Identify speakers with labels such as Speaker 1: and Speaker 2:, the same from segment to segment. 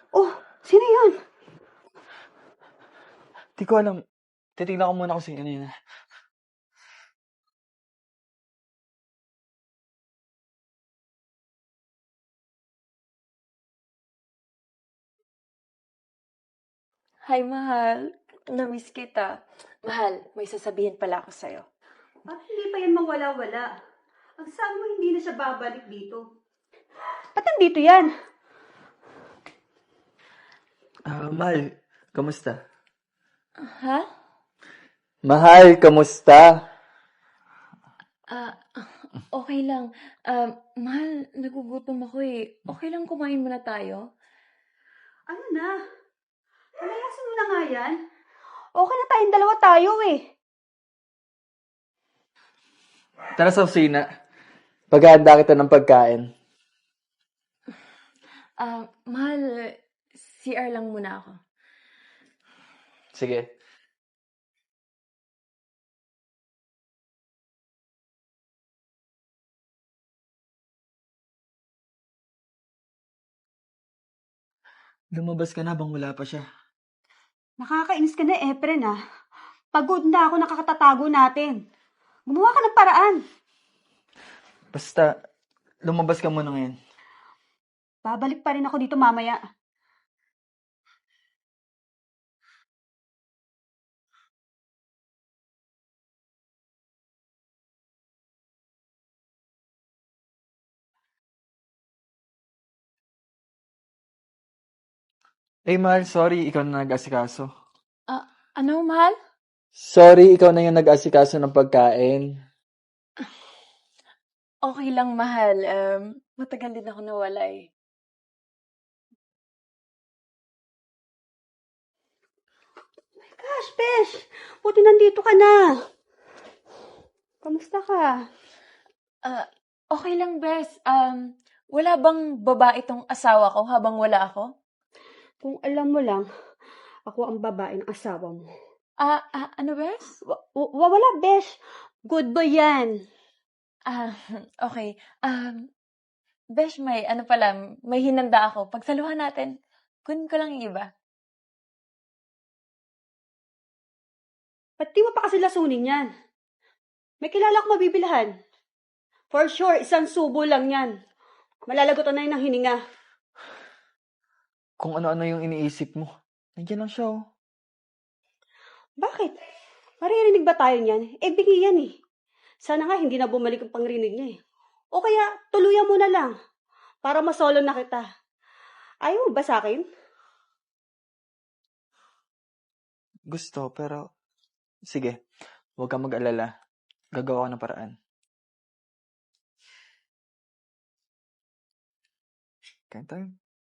Speaker 1: Oh, sino yun?
Speaker 2: Di ko alam. Titignan ko muna kasi kanina.
Speaker 3: Hi, mahal. Namiss kita. Mahal, may sasabihin pala ako sa'yo.
Speaker 1: At hindi pa yan mawala-wala. Ang sabi mo hindi na siya babalik dito. Ba't nandito yan?
Speaker 2: Mahal, kamusta?
Speaker 3: Ha?
Speaker 2: Mahal, kamusta?
Speaker 3: Okay lang. Mahal, nagugutom ako eh. Okay lang kumain muna tayo?
Speaker 1: Ano na? Palayasin mo na nga yan. Okay na tayong dalawa tayo eh.
Speaker 2: Tara sa kusina. Paghahanda kita ng pagkain.
Speaker 3: Mahal, CR lang muna ako.
Speaker 2: Sige. Lumabas ka na bang wala pa siya?
Speaker 1: Nakakainis ka na, Efren ah. Pagod na ako nakakatatago natin. Gumawa ka ng paraan.
Speaker 2: Basta, lumabas ka muna ngayon.
Speaker 1: Babalik pa rin ako dito mamaya.
Speaker 2: Mahal, sorry, ikaw na nag-asikaso.
Speaker 3: Ano, mahal?
Speaker 2: Sorry, ikaw na yung nag-asikaso ng pagkain.
Speaker 3: Okay lang, mahal. Matagal din ako nawala eh.
Speaker 1: Gosh, Besh! Buti nandito ka na. Kamusta ka?
Speaker 3: Okay lang, Bes. Wala bang babae itong asawa ko habang wala ako?
Speaker 1: Kung alam mo lang, ako ang babae ng asawa mo.
Speaker 3: Ano, Bes?
Speaker 1: Wala, Besh. Good boy yan.
Speaker 3: Okay. Besh, may hinanda ako. Pagsaluhan natin, kunin ko lang yung iba.
Speaker 1: Ba't di mo pa kasi lasunin yan? May kilala ko mabibilhan. For sure, isang subo lang yan. Malalagotan na yun ng hininga.
Speaker 2: Kung ano-ano yung iniisip mo. Nandiyan lang siya, oh.
Speaker 1: Bakit? Maririnig ba tayo niyan? Bingi yan eh. Sana nga hindi na bumalik ang pangrinig niya eh. O kaya, tuluyan mo na lang. Para masolo na kita. Ayaw mo ba sa akin?
Speaker 2: Gusto, pero... Sige, huwag kang mag-alala. Gagawa ko ng paraan. Kain tayo.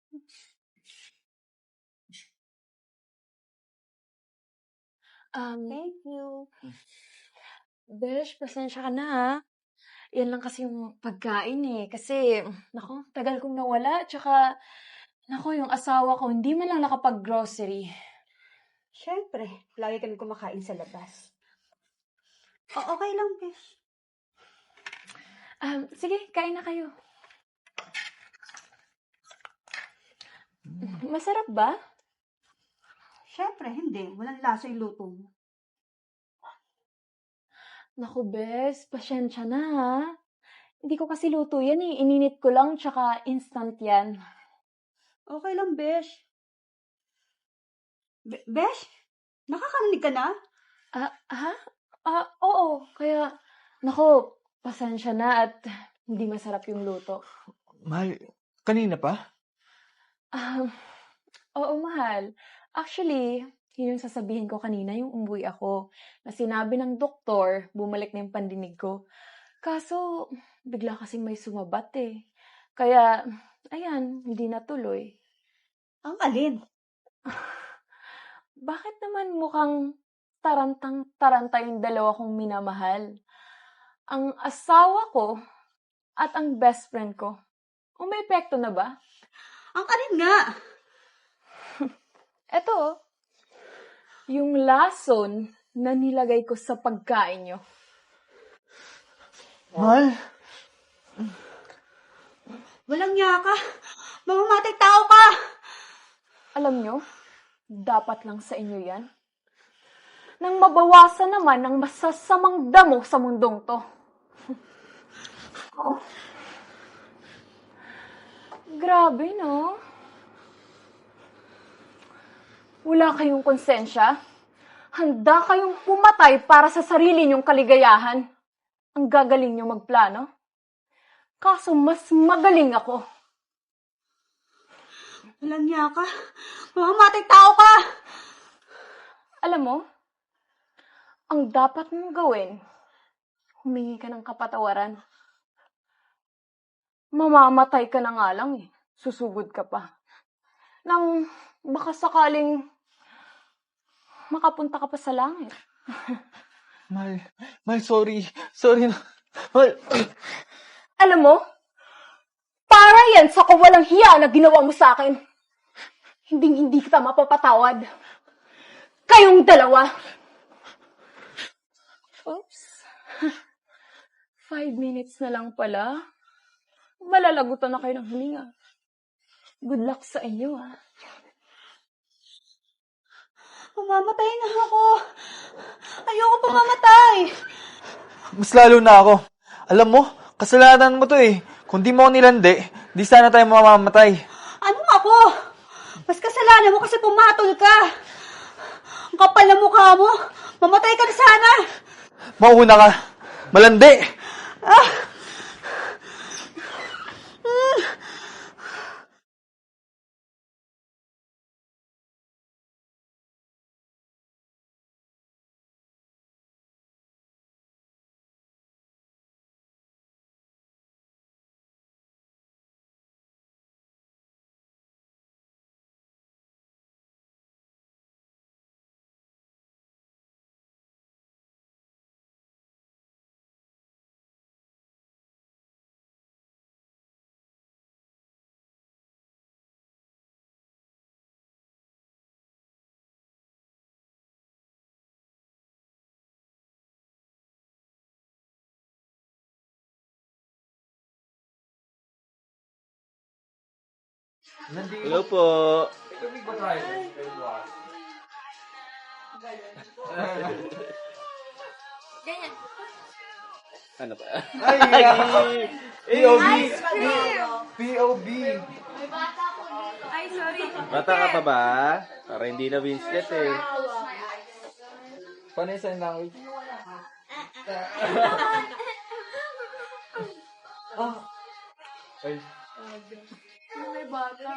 Speaker 3: Thank you. Besh, pasensya ka na ha. Yan lang kasi yung pagkain eh. Kasi, tagal kong nawala. Tsaka, yung asawa ko, hindi man lang nakapag-grocery.
Speaker 1: Siyempre, lagi kami kumakain sa labas. Okay lang, Besh.
Speaker 3: Sige, kain na kayo. Masarap ba?
Speaker 1: Siyempre, hindi. Walang lasa yung luto mo.
Speaker 3: Naku, Bes, pasensya na ha. Hindi ko kasi luto yan eh. Ininit ko lang, tsaka instant yan.
Speaker 1: Okay lang, Besh. Besh? Nakakarinig ka na?
Speaker 3: Ha? Oo. Kaya, pasensya na at hindi masarap yung luto.
Speaker 2: Mahal, kanina pa?
Speaker 3: Oo, mahal. Actually, yun yung sasabihin ko kanina, yung umuwi ako. Na sinabi ng doktor, bumalik na yung pandinig ko. Kaso, bigla kasing may sumabat eh. Kaya, ayan, hindi natuloy.
Speaker 1: Ang alin?
Speaker 3: Bakit naman mukhang tarantang-taranta yung dalawa kong minamahal? Ang asawa ko at ang best friend ko. Umepekto na ba?
Speaker 1: Ang alin nga?
Speaker 3: Eto, yung lason na nilagay ko sa pagkain nyo.
Speaker 2: Mahal?
Speaker 1: Walang niya ka. Mamamatay tao ka.
Speaker 3: Alam nyo, dapat lang sa inyo yan. Nang mabawasan naman ang masasamang damo sa mundong to. Grabe, no? Wala kayong konsensya? Handa kayong pumatay para sa sarili niyong kaligayahan? Ang gagaling niyo magplano? Kaso mas magaling ako.
Speaker 1: Walang niya ka. Mamamatay tao ka!
Speaker 3: Alam mo, ang dapat mong gawin, humingi ka ng kapatawaran. Mamamatay ka na nga lang eh. Susugod ka pa. Nang baka sakaling makapunta ka pa sa langit.
Speaker 2: Mal, sorry. Sorry na. Mal,
Speaker 3: Alam mo, para yan sa kawalang hiya na ginawa mo sa akin. Hindi kita mapapatawad. Kayong dalawa. Oops. 5 minutes na lang pala. Malalagutan na kayo ng hininga. Good luck sa inyo, ha?
Speaker 1: Mamamatay na ako. Ayoko pumamatay.
Speaker 2: mas lalo na ako. Alam mo, kasalanan mo to eh. Kung di mo ako nilandi, di sana tayo mamamatay.
Speaker 1: Ano ako? Mas kasalanan mo kasi pumatol ka. Ang kapal na mukha mo. Mamatay ka na sana.
Speaker 2: Mauna ka. Malandi.
Speaker 4: Hello po. Ano pa?
Speaker 2: Ay, POV. POV.
Speaker 4: Bata ka pa ba? Para hindi na Winslet eh.
Speaker 2: Paano yung sign language? Ay.
Speaker 3: May bata.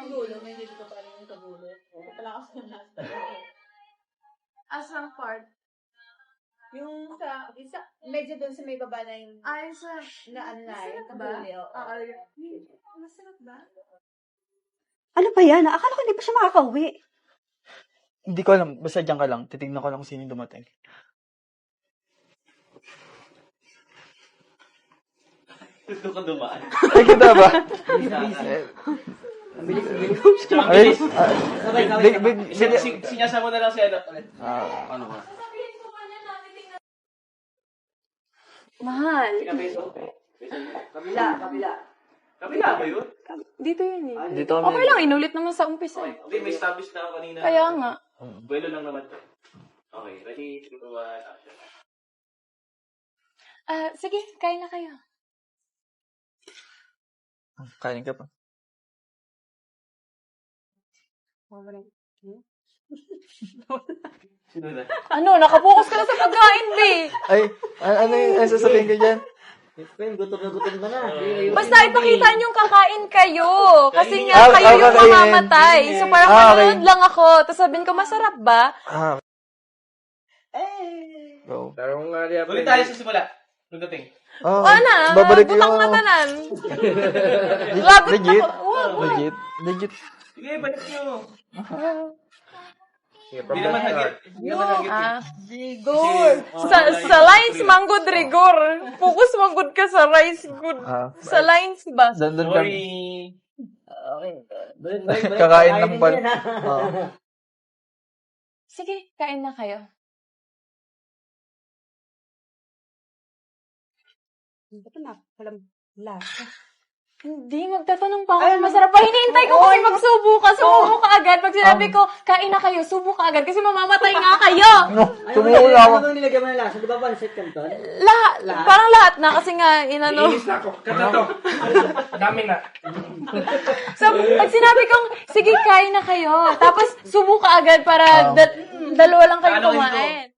Speaker 3: Asang part?
Speaker 5: Yung sa, isa, medyo doon sa may baba na yung,
Speaker 3: Ay, sa...
Speaker 5: na ano na, yung
Speaker 3: ba?
Speaker 5: kabuli, oo.
Speaker 3: Masarap ba?
Speaker 1: Ano ba yan? Akala ko hindi pa siya makakauwi.
Speaker 2: Hindi ko alam. Basta dyan ka lang. Titignan ko lang kung sino yung dumating.
Speaker 4: Gusto ka dumaan.
Speaker 2: Ay, kita ba? Ay,
Speaker 4: Sinyasa mo na lang si ano. Ano ba?
Speaker 3: Mahal.
Speaker 4: Kabila ba yun?
Speaker 3: Dito yun eh.
Speaker 2: dito kami.
Speaker 3: Okay lang, inulit naman sa umpisa.
Speaker 4: Hindi, may established na ako kanina.
Speaker 3: Kaya nga.
Speaker 4: Buwelo lang naman to. Okay, ready, 2, 1, action.
Speaker 3: Sige, kain na kayo.
Speaker 2: Kain ka pa.
Speaker 4: Sino na?
Speaker 3: Ano, nakapokus ka na sa pagkain, be.
Speaker 2: Ay, ano yung sasabihin ko dyan?
Speaker 4: Gutom ka na.
Speaker 3: Basta ipakita niyong kakain kayo. Kasi nga,
Speaker 2: Ah,
Speaker 3: kayo yung
Speaker 2: kakainin.
Speaker 3: mamamatay. So parang
Speaker 2: Ah, okay.
Speaker 3: manonood lang ako. Tapos sabihin ko, masarap ba?
Speaker 2: Go.
Speaker 4: Ulit tayo sa simula. Pagdating.
Speaker 2: Oh,
Speaker 3: Ana,
Speaker 2: babalik
Speaker 3: butang
Speaker 2: yung...
Speaker 3: na tanan. Lagot na
Speaker 2: Legit?
Speaker 3: ko. Wag.
Speaker 2: Legit.
Speaker 4: Sige, balik nyo. Hindi naman hagit. Hindi naman hagit.
Speaker 3: Rigor. Sa lines, manggod rigor. Focus manggod ka sa rice good. Sa lines ba?
Speaker 2: Dandun kang...
Speaker 4: Sorry.
Speaker 2: Kakain lang pala. Oo.
Speaker 3: Sige, kain na kayo.
Speaker 1: Ba't na? Walang lasa.
Speaker 3: Hindi, magtatanong pa ako kung masarap pa. Hinihintay ko kasi magsubo ka. Sumubo ka agad. Pag sinabi ko, kain na kayo, subo ka agad kasi mamamatay nga kayo.
Speaker 2: Tumulo ako.
Speaker 6: Ano bang nilagyan mo ng lasa? Di ba pancit canton?
Speaker 3: Lahat. Parang lahat na kasi nga, inano.
Speaker 4: Inis na ako. Kata to. Dami na.
Speaker 3: So, pag sinabi kong, sige, kain na kayo. Tapos, subo ka agad para dalawa lang kayo kumain.